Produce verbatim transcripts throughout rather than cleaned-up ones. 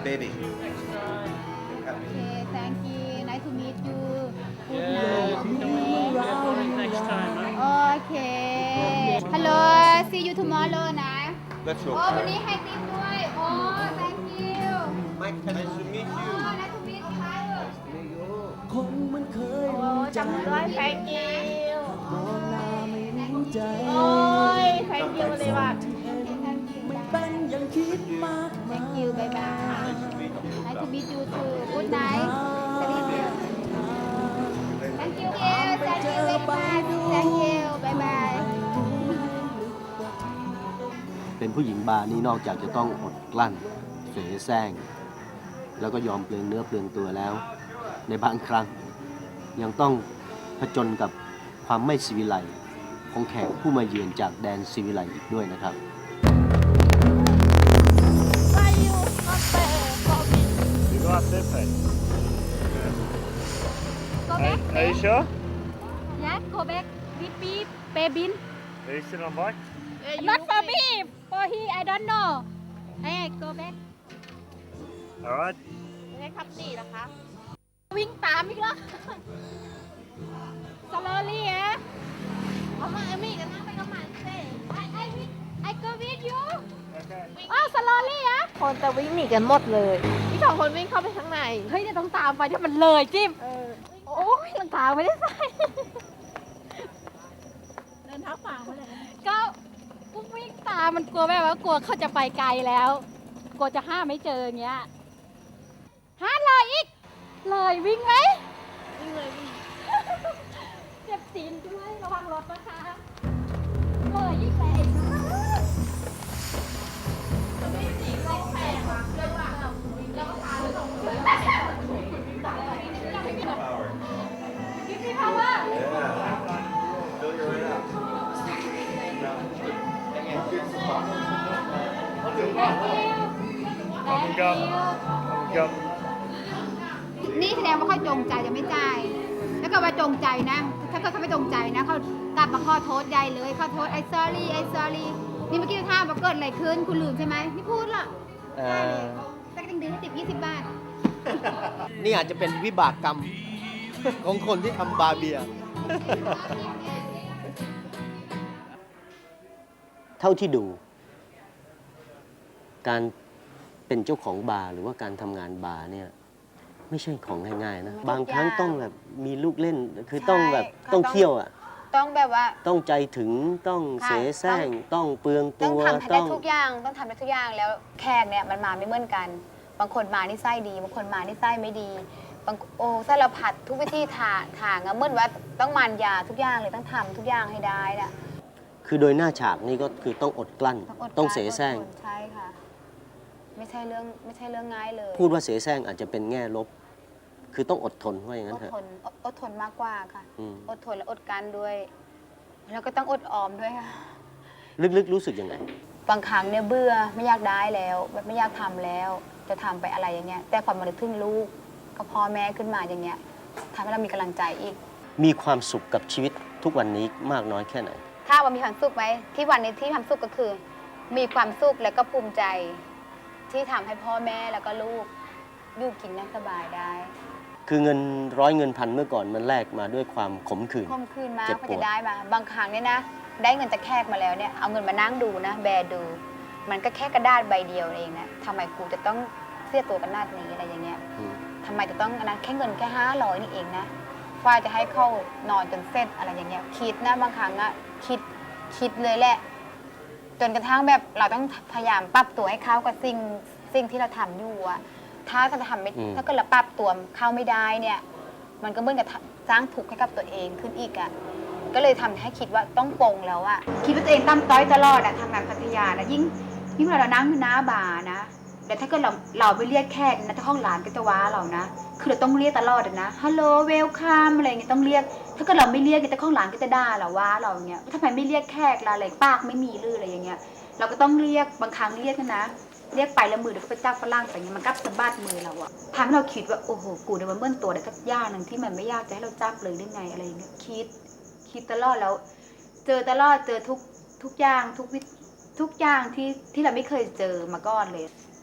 baby. Okay, thank you. Nice to meet you. Good Yeah, night. you can come in next time, huh? Okay. Hello. See you tomorrow นะ Let's โอ้ go. วันนี้ให้ติ๊บด้วยโอ้ thank you Mike, nice to meet โอ้ you. nice to meet you คนมันเคยโอ้รู้ใจจำด้วย thank you มองหน้าไม่รู้ใจโอ้ย thank you เลยว่ะไม่เป็นอย่างคิดมากมาย thank you bye bye nice to meet you too good night thank you thank you thank you very much thank you bye bye เป็นผู้หญิงบาร์นี่นอกจากจะต้องอดกลั้นเสแสร้งแล้วก็ยอมเปลืองเนื้อเปลืองตัวแล้ว ในบางครั้ง ยังต้องผจญกับความไม่สิวิไลซ์ของแขกผู้มาเยือนจากแดนสิวิไลซ์อีกด้วยนะครับ Why you not there for me You go up this way. go Are, back are you sure? yeah go back with me baby Are you still on bike? not for me for he I don't know hey go back All right. ไม่ได้ขับหนีนะคะวิ่งตามอีกแล้ว slowly ฮะเอามาเอมี่กันนั่งไปกับมันสิ I I with I go with you Okay. อ้าว slowly ฮะคนจะวิ่งหนีกันหมดเลยพี่สองคนวิ่งเข้าไปข้างในเฮ้ยเดี๋ยวต้องตามไปถ้ามันเลยจิ้มเออโอ้ยรองเท้าไม่ได้ใส่เดินเท้าเปล่ามาเลยก็กูวิ่งตามมันกลัวแบบว่ากลัวเขาจะไปไกลแล้ว กลัวจะห้ามไม่เจออย่างเงี้ยห้าเลยอีก เลยวิ่งไหมวิ่งเลยวิ่งเจ็บตีนด้วยระวังรถนะคะเลยอีกแปลก Give me power Fill you right up. Thank Go. you Go. นี่แสดงว่าเขาจงใจจะไม่จ่ายแล้วก็ว่าจงใจนะ ถ้าเกิดเขาไม่จงใจนะเขากลับมาขอโทษยายเลยขอโทษไอ้ sorry ไอ้ sorry นี่เมื่อกี้ถามว่าเกิดอะไรขึ้นคุณลืมใช่ไหมไม่พูดหรอกเอ่อแต่ก็ต้องดึงให้ติดยี่สิบบาทนี่อาจจะเป็นวิบากกรรม ของคนที่ทำบาร์เบียร์ เท่าที่ดู การเป็นเจ้าของบาร์หรือว่าการทำงานบาร์เนี่ยไม่ใช่ของง่ายๆนะ บางครั้งต้องแบบมีลูกเล่นคือต้องแบบใช่ต้องก็ต้องเที่ยวอ่ะต้องแบบว่าต้องใจถึงต้องเสค่ะแสร้งต้องเปลืองต้อตังวทำให้ได้ทุกอย่างต้องทำได้ทุกอย่างแล้วแขกเนี่ยมันมาไม่เหมือนกัน บางคนมานี่ไส้ดี บางคนมานี่ไส้ไม่ดีบางโอ้สารพัดทุกวิธีทางทางอะเหมือนว่าต้องมานยาทุกอย่างเลยต้องทำทุกอย่างให้ได้น่ะคือโดยหน้าฉากนี่ก็คือต้องอดกลั้นต้องอดต้องกลั้นเสแสร้งอดทนใช่ค่ะ ไม่ใช่เรื่องไม่ใช่เรื่องง่ายเลยพูดว่าเสแสร้งอาจจะเป็นแง่ลบ คือต้องอดทนว่าอย่างอนั้นดเถอะทนอดอดทนมากกว่าค่ะอืมอดทนและอดกลั้นด้วย แล้วก็ต้องอดออมด้วยค่ะลึกๆรู้สึกยังไงบางครั้งเนี่ยเบื่อไม่อยากได้แล้วแบบไม่อยากทำแล้ว จะทำไปอะไรอย่างเงี้ย แต่พอมานึกถึงลูกกับพ่อแม่ขึ้นมาอย่างเงี้ยทำให้เรามีกำลังใจอีกมีความสุขกับชีวิตทุกวันนี้มากน้อยแค่ไหนถ้าว่ามีความสุขไหมที่วันนี้ที่ความสุขก็คือ มีความสุขและก็ภูมิใจ ที่ทำให้พ่อแม่แล้วก็ลูกอยู่กินนั่งสบายได้คือเงินร้อยเงินพันเมื่อก่อนมันแลกมาด้วยความขมขื่นคมคืนมากเจ็บเขาปวจะดได้มา บางครั้งเนี่ยนะ ได้เงินจากแขกมาแล้วเนี่ยเอาเงินมานั่งดูนะ แบดู มันก็แค่กระดาษใบเดียวเองนะทำไมกูจะต้องเสียตัวกันนาดนี้อะไรอย่างเงี้ยอืมทำไมจะต้องอันนั้นแค่เงินแค่ห้าร้อยนี่เองนะฝ้ายจะให้เข้านอนจนเสร็จอะไรอย่างเงี้ยคิดนะบางครั้งอะคิดคิดเลยแหละ จนกระทั่งแบบเราต้องพยายามปรับตัวให้เข้ากับสิ่งสิ่งที่เราทำอยู่อะถ้าจะทำไม่อืมถ้าเกิดเราปรับตัวเข้าไม่ได้เนี่ย มันก็เหมือนกับสร้างทุกข์ให้กับตัวเองขึ้นอีกอะก็เลยทำให้คิดว่าต้องปลงแล้วอะคิดว่าตัวเองตั้มต้อยตลอดอะทำงานพัทยานะยิ่งยิ่งเรานั่งอยู่หน้าบาร์นะแต่ถ้าเกิดเราเราไปเรียกแขกนะถ้าห้องร้านก็จะว้าเรานะ คือเราต้องเรียกตลอดนะฮัลโหลเวลคัมอะไรเงี้ยต้องเรียก ถ้าเกิดเราไม่เรียกแต่ห้องร้านก็จะด่าเราว่าเราเงี้ยทำไมไม่เรียกแขกล่ะอะไรปากไม่มีหรืออะไรอย่างเงี้ยเราก็ต้องเรียกบางครั้งเรียกนะ เรียกไปแล้วมือเดี๋ยวก็ไปจับฝรั่งไปเงี้ยมันก็สะบัดมือเราอะทำให้เราคิดว่าโอ้โหกูเดี๋ยวมันเบิ้ลตัวได้สักอย่างหนึ่งที่มันไม่ยากจะให้เราจับเลยได้ไงอะไรอย่างเงี้ยคิดคิดตลอดแล้ว เจอตลอดเจอทุกทุกอย่างทุกวิทุกอย่างที่ที่เราไม่เคยเจอมาก่อนเลย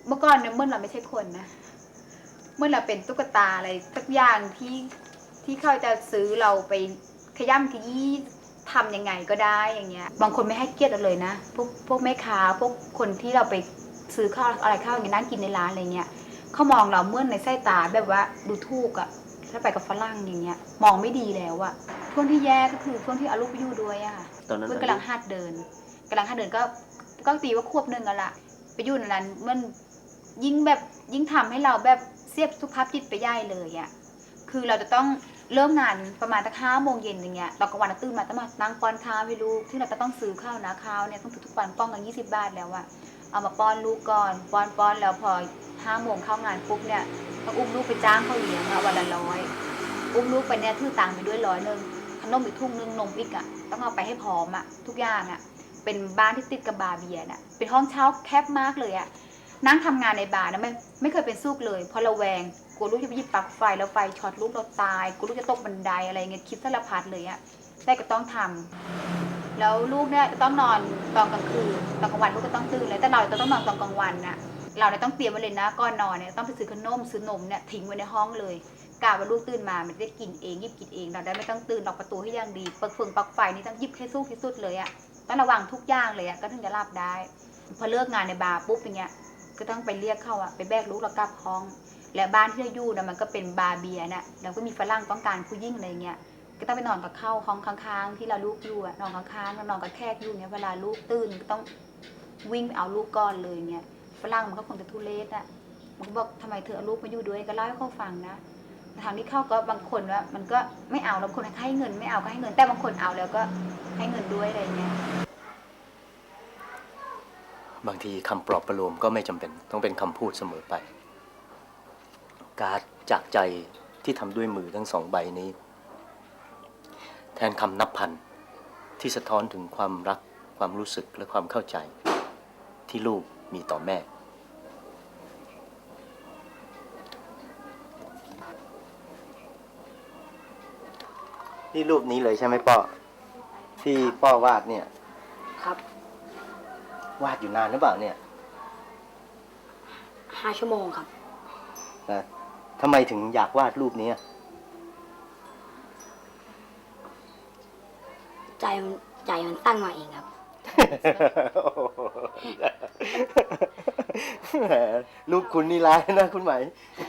เมื่อก่อนเนี่ยเมื่อเราไม่ใช่คนนะเมื่อเราเป็นตุ๊กตาอะไรสักอย่างที่ที่เขาจะซื้อเราไปขย้ำขยี้ทำยังไงก็ได้อย่างเงี้ยบางคนไม่ให้เกียรติเราเลยนะพวกพวกแม่ค้าพวกคนที่เราไปซื้อข้าวอะไรข้าวอย่างนี้นั่งกินในร้านอะไรเงี้ยเขามองเราเมื่อในสายตาแบบว่าดูถูกอะถ้าไปกับฝรั่งอย่างเงี้ยมองไม่ดีแล้วอะช่วงที่แย่ก็คือช่วงที่เอาลูกไปอยู่ด้วยอะตอนนั้นเพื่อนกำลังหัดเดินกำลังหัดเดินก็ก็ตีว่าควบหนึ่งกันละไปอยู่ในนั้นมันยิ่งแบบยิ่งทำให้เราแบบเสียบสุขภาพจิตไปย่ายเลยอะคือเราจะต้องเริ่มงานประมาณตั้งห้าโมงเย็นอย่างเงี้ยเราก็วันตื่นมาต้องมานั่งป้อนข้าวให้ลูกที่เราจะต้องซื้อข้าวนะข้าวเนี่ยต้องซื้อทุกวันป้อนกันยี่สิบบาทแล้วอะเอามาป้อนลูกก่อนป้อนป้อนแล้วพอห้าโมงเข้างานปุ๊บเนี่ยต้องอุ้มลูกไปจ้างเขาเลี้ยงอะวันละร้อยอุ้มลูกไปเนี่ยถือตังค์ไปด้วยร้อยหนึ่งขนมอีกทุ่งนึงนมอีกอะต้องเอาไปให้พร้อมอะทุกอย่างอะเป็นบ้านที่ติดกับบาร์เบียร์น่ะเป็นห้องเช่าแคบมากเลยอะนั่งทำงานในบาร์นะไม่ไม่เคยเป็นซุกเลยเพราะระแวงกลัวลูกจะไปหยิบปลั๊กไฟแล้วไฟช็อตลูกเราตายกลัวลูกจะตกบันไดอะไรเงี้ยคิดสารพัดเลยอะแต่ก็ต้องทำแล้วลูกเนี่ยจะต้องนอนตอนกลางคืนตอนกลางวันลูกก็ต้องตื่นเลยแต่เราจะต้องนอนตอนกลางวันน่ะเราเนี่ยต้องเตรียมไว้เลยนะก่อนนอนเนี่ยต้องไปซื้อขนมซื้อนมเนี่ยทิ้งไว้ในห้องเลยกะว่าลูกตื่นมามันได้กินเองหยิบกินเองเราได้ไม่ต้องตื่นล็อกประตูให้อย่างดีปลั๊กเฟืองปลั๊กไฟนี่ต้องหยิบให้สู้ที่สุดเลยอะต้องระวังทุกอย่างเลยอะก็ถึงจะหลับได้พอเลิกงานในบาร์ปุ๊บอย่างเงี้ยก็ต้องไปเรียกเขาอะไปแบกลูกเรากลับห้องและบ้านที่เราอยู่นะมันก็เป็นบาร์เบียร์น่ะแล้วก็มีฝรั่งต้องการผู้หญิงอะไรเงี้ยก็ต้องไปนอนกับเข้าห้องข้างๆที่เราลูกอยู่อะนอนข้างๆแล้วนอนกับแขกอยู่เงี้ยเวลาลูกตื่นก็ต้องวิ่งไปเอาลูกก่อนเลยเงี้ยฝรั่งมันก็คงจะทุเรศอะมันก็บอกทำไมเธอเอาลูกมาอยู่ด้วยก็เล่าให้เขาฟังนะทางที่เข้าก็บางคนว่ามันก็ไม่เอาบางคนให้เงินไม่เอาก็ให้เงินแต่บางคนเอาแล้วก็ให้เงินด้วยอะไรเงี้ยบางทีคำปลอบประโลมก็ไม่จำเป็นต้องเป็นคำพูดเสมอไป การจากใจที่ทำด้วยมือทั้งสองใบนี้ แทนคำนับพันที่สะท้อนถึงความรักความรู้สึกและความเข้าใจที่ลูกมีต่อแม่ นี่รูปนี้เลยใช่ไหมป้อที่ป้อวาดเนี่ยครับวาดอยู่นานหรือเปล่าเนี่ยห้าชั่วโมงครับนะทำไมถึงอยากวาดรูปนี้ใจมันใจมันตั้งมาเองครับแหมรูปคุณนี่ร้ายนะคุณไหม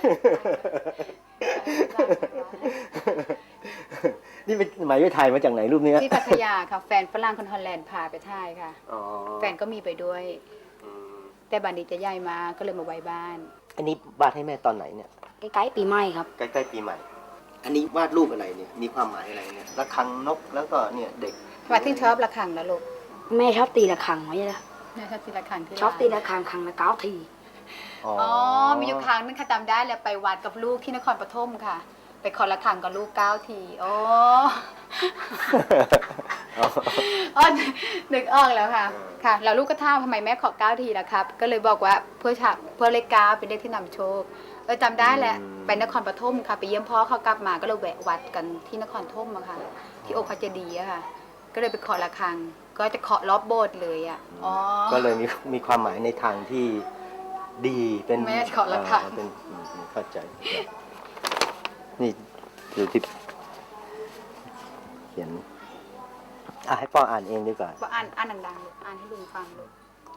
นี่เป็นไหมไปถ่ายมาจากไหนรูปนี้ที่พัทยาค่ะแฟนฝรั่งคนฮอลแลนด์พาไปถ่ายค่ะอ๋อแฟนก็มีไปด้วย แต่บันดีจะย้ายมาก็เลยมาไว้บ้านอันนี้วาดให้แม่ตอนไหนเนี่ยใกล้ๆปีใหม่ครับใกล้ๆปีใหม่ อันนี้วาดรูปอะไรเนี่ย มีความหมายอะไรเนี่ย ระฆังนกแล้วก็เนี่ยเด็กมาที่ชอบระฆังนะลูกแม่ชอบตีระฆังไว้เลยแม่ชอบตีระฆังที่ชอบตีระฆังครั้งละเก้าทีอ๋ออ๋อ มีอยู่ครั้งนึงค่ะจำได้เลยไปวัดกับลูกที่นครปฐมค่ะ ไปขอระฆังกับลูกเก้าทีโอ้ อ๋อนึกออกแล้วค่ะ ค่ะ แล้วลูกก็ถามทำไมแม่ขอเก้าทีล่ะครับ ก็เลยบอกว่าเพื่อฉากเพื่อเลขเก้าเป็นเลขที่นำโชค เออจำได้แหละ ไปนครปฐมค่ะ ไปเยี่ยมพ่อเขากลับมาก็เลยแวะวัดกันที่นครปฐมอะค่ะ ที่องค์พระเจดีย์อะค่ะ ก็เลยไปขอระฆัง ก็จะเคาะรอบโบสถ์เลยอะอ๋อก็เลยมีมีความหมายในทางที่ดีเป็นแม่ขอระฆังอ่าเป็นอืมเข้าใจ นี่ดูที่เขียนอ่ะให้พ่ออ่านเองดีกว่าว่าอ่านอ่านดังๆลูกอ่านให้ลุงฟังลูก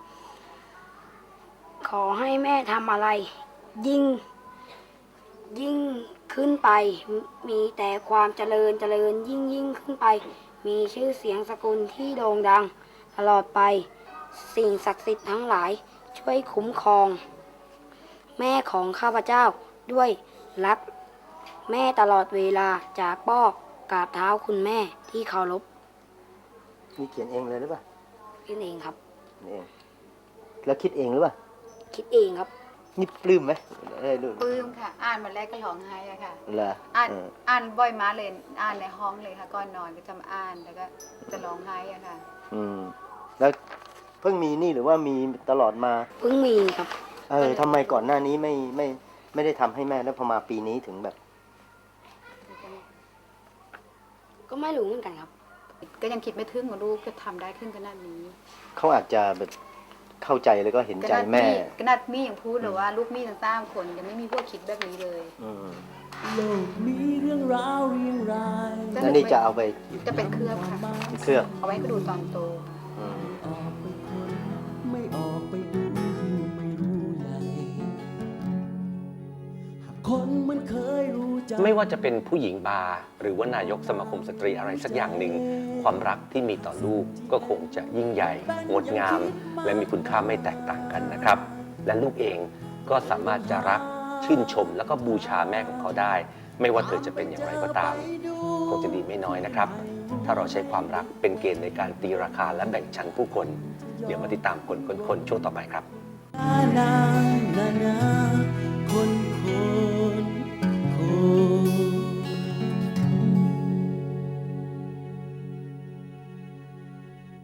ขอให้แม่ทำอะไร ยิ่ง ยิ่งขึ้นไป มีแต่ความเจริญเจริญยิ่งยิ่งขึ้นไป มีชื่อเสียงสกุลที่โด่งดัง ตลอดไป สิ่งศักดิ์สิทธิ์ทั้งหลาย ช่วยคุ้มครอง แม่ของข้าพเจ้าด้วยรัก แม่ตลอดเวลาจากป้อกราบเท้าคุณแม่ที่เคารพนี่เขียนเองเลยหรือเปล่าคิดเองครับนี่เอง แล้วคิดเองหรือเปล่าคิดเองครับนี่ปลื้มไหมได้ดูปลื้มค่ะ อ่านมาแรกก็ร้องไห้อะค่ะเหรออ่านเอออ่านบ่อยมากเลย อ่านในห้องเลยค่ะ ก่อนนอนก็จะมาอ่าน แล้วก็จะร้องไห้อะค่ะอืม แล้วเพิ่งมีนี่หรือว่ามีตลอดมาเพิ่งมีครับเออทำไมก่อนหน้านี้ไม่ไม่ไม่ได้ทำให้แม่แล้วพอมาปีนี้ถึงแบบก็ไม่รู้เหมือนกันครับก็ยังคิดไม่ถึงว่าลูกจะทำได้ขึ้นขนาดนี้เขาอาจจะแบบเข้าใจแล้วก็เห็นใจขนาดแม่ขนาดมี่ยังพูดเลยว่าลูกมี่ทั้งสามคนยังไม่มีพวกคิดแบบนี้เลยอืมโลกมีเรื่องราวเรียงรายแล้วนี่จะเอาไปจะเป็นเครือบค่ะเคลือบเอาไว้ก็ดูตอนโตอืมออกไปคนไม่ออกไปดูยิ่งไม่รู้ใหญ่หากคนมันเคยรู้จักไม่ว่าจะเป็นผู้หญิงบาร์หรือว่านายกสมาคมสตรีอะไรสักอย่างหนึ่ง ความรักที่มีต่อลูกก็คงจะยิ่งใหญ่ งดงาม และมีคุณค่าไม่แตกต่างกันนะครับ และลูกเองก็สามารถจะรักชื่นชม แล้วก็บูชาแม่ของเขาได้ ไม่ว่าเธอจะเป็นอย่างไรก็ตาม คงจะดีไม่น้อยนะครับ ถ้าเราใช้ความรักเป็นเกณฑ์ในการตีราคาและแบ่งชั้นผู้คน เดี๋ยวมาติดตามคนคนคนช่วงต่อไปครับนานานาน